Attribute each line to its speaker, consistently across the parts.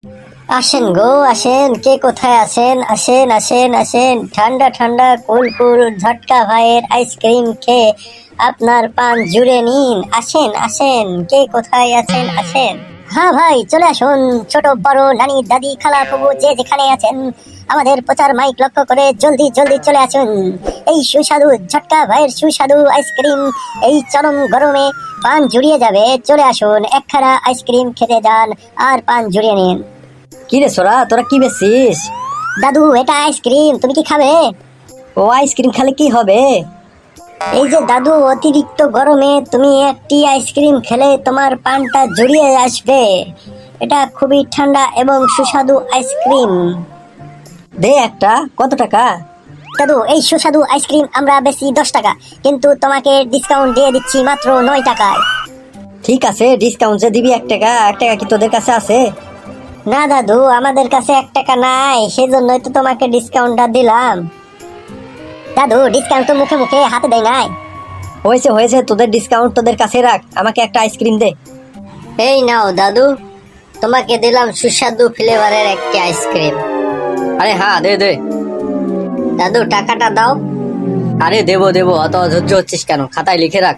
Speaker 1: আসেন গো আসেন, কে কোথায় আছেন? আসেন আসেন আসেন, ঠান্ডা ঠান্ডা কুল কুল ঝটকা ভাইয়ের আইসক্রিম খেয়ে আপনার পান জুড়ে নিন। আসেন আসেন, কে কোথায় আছেন? আসেন। হ্যাঁ ভাই, চলে আসুন। ছোট বড়, নানি দাদি খালা ফুবু যে যেখানে আছেন, আমাদের প্রচার মাইক লক্ষ্য করে জলদি জলদি চলে আসুন। এই সুস্বাদু ঝটকা ভাইয়ের সুস্বাদু আইসক্রিম এই চরম গরমে পান জুড়িয়ে যাবে। চলে আসুন, একখানা আইসক্রিম খেতে যান আর পান জুড়িয়ে নিন।
Speaker 2: কি রে সোরা, তোরা কি বেচিস?
Speaker 1: দাদু, এটা আইসক্রিম, তুমি কি খাবে?
Speaker 2: ও আইসক্রিম খেলে কি হবে?
Speaker 1: এই যে দাদু, অতিরিক্ত গরমে তুমি একটি আইসক্রিম খেলে তোমার পানটা জড়িয়ে আসবে। এটা খুবই ঠান্ডা এবং সুস্বাদু আইসক্রিম।
Speaker 2: দে একটা, কত টাকা?
Speaker 1: দাদু, এই সুস্বাদু আইসক্রিম আমরা বেশি 10 টাকা, কিন্তু তোমাকে ডিসকাউন্ট দিয়ে দিচ্ছি মাত্র 9 টাকায়।
Speaker 2: ঠিক আছে, ডিসকাউন্ট যে দিবি 1 টাকা। 1 টাকা কি তোদের কাছে আছে?
Speaker 1: না দাদু, আমাদের কাছে 1 টাকা নাই, সেজন্যই তো তোমাকে ডিসকাউন্টটা দিলাম। দাদু, ডিসকাউন্ট তো মুখে মুখে, হাতে দেয় নাই।
Speaker 2: হয়েছে হয়েছে, তোদের ডিসকাউন্ট তোদের কাছে রাখ, আমাকে একটা আইসক্রিম দে।
Speaker 1: এই নাও দাদু, তোমাকে দিলাম সুস্বাদু ফ্লেভারের একটি আইসক্রিম।
Speaker 2: আরে হ্যাঁ, দে দে।
Speaker 1: দাদু, টাকাটা দাও।
Speaker 2: আরে দেবো দেবো, অত অধৈর্য হচ্ছিস কেন? খাতায় লিখে রাখ।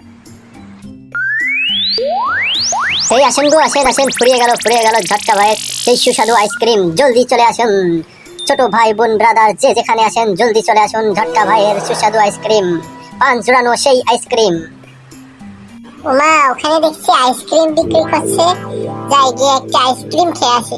Speaker 1: এই আসেন গো আসেন আসেন, ফুরিয়ে গেল ঝটকা ভাইয়ের সেই সুস্বাদু আইসক্রিম। জলদি চলে আসুন, ছোট ভাই বোন ব্রাদার যে যেখানে আসেন, জলদি চলে আসুন। ঝটকা ভাইয়ের সুস্বাদু আইসক্রিম, পান জুড়ানো সেই আইসক্রিম।
Speaker 3: মা, ওখানে দেখছি আইসক্রিম বিক্রি করছে, যাই গিয়ে একটা আইসক্রিম খেয়ে আসি।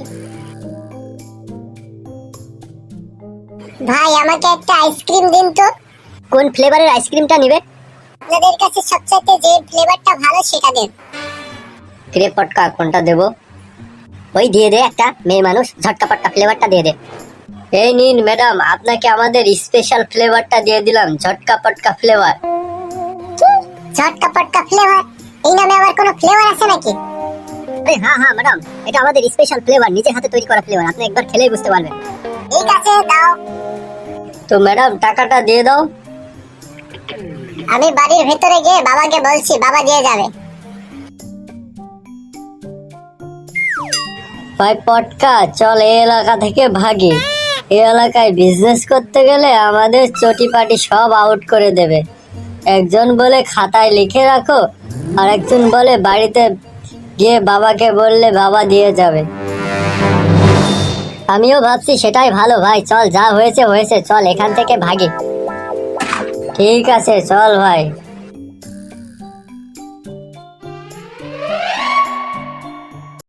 Speaker 3: ভাই, আমাকে একটা আইসক্রিম দিন তো।
Speaker 1: কোন ফ্লেভারের আইসক্রিমটা নিবে?
Speaker 3: আপনাদের কাছে সবচাইতে যে ফ্লেভারটা ভালো সেটা দেন।
Speaker 1: ফিরে পটকা কোনটা দেবো? ওই দিয়ে দে একটা, মেয়ে মানুষ, ঝটকা পটকা ফ্লেভারটা দিয়ে দে। এই নিন ম্যাডাম, আপনাকে আমাদের স্পেশাল ফ্লেভারটা দিয়ে দিলাম, ঝটকা পটকা ফ্লেভার।
Speaker 3: ঝটকা পটকা ফ্লেভার? এই নামে আবার কোনো ফ্লেভার আছে নাকি?
Speaker 1: আরে হ্যাঁ হ্যাঁ ম্যাডাম, এটা আমাদের স্পেশাল ফ্লেভার, নিজের হাতে তৈরি করা ফ্লেভার, আপনি একবার খেলেই বুঝতে পারবেন।
Speaker 3: ঠিক আছে, দাও।
Speaker 1: তো ম্যাডাম, টাকাটা দিয়ে দাও।
Speaker 3: আমি বাড়ির ভেতরে গিয়ে বাবাকে বলছি, বাবা দিয়ে যাবে।
Speaker 1: ভাই পটকা, চল এই এলাকা থেকে ভাগি। এই এলাকায় বিজনেস করতে গেলে আমাদের চটিপাটি সব আউট করে দেবে। একজন বলে খাতায় লিখে রাখো, আর একজন বলে বাড়িতে গিয়ে বাবাকে বললে বাবা দিয়ে যাবে। আমিও ভাবছি সেটাই ভালো ভাই, চল যা হয়েছে হয়েছে, চল এখান থেকে ভাগি। ঠিক আছে চল ভাই।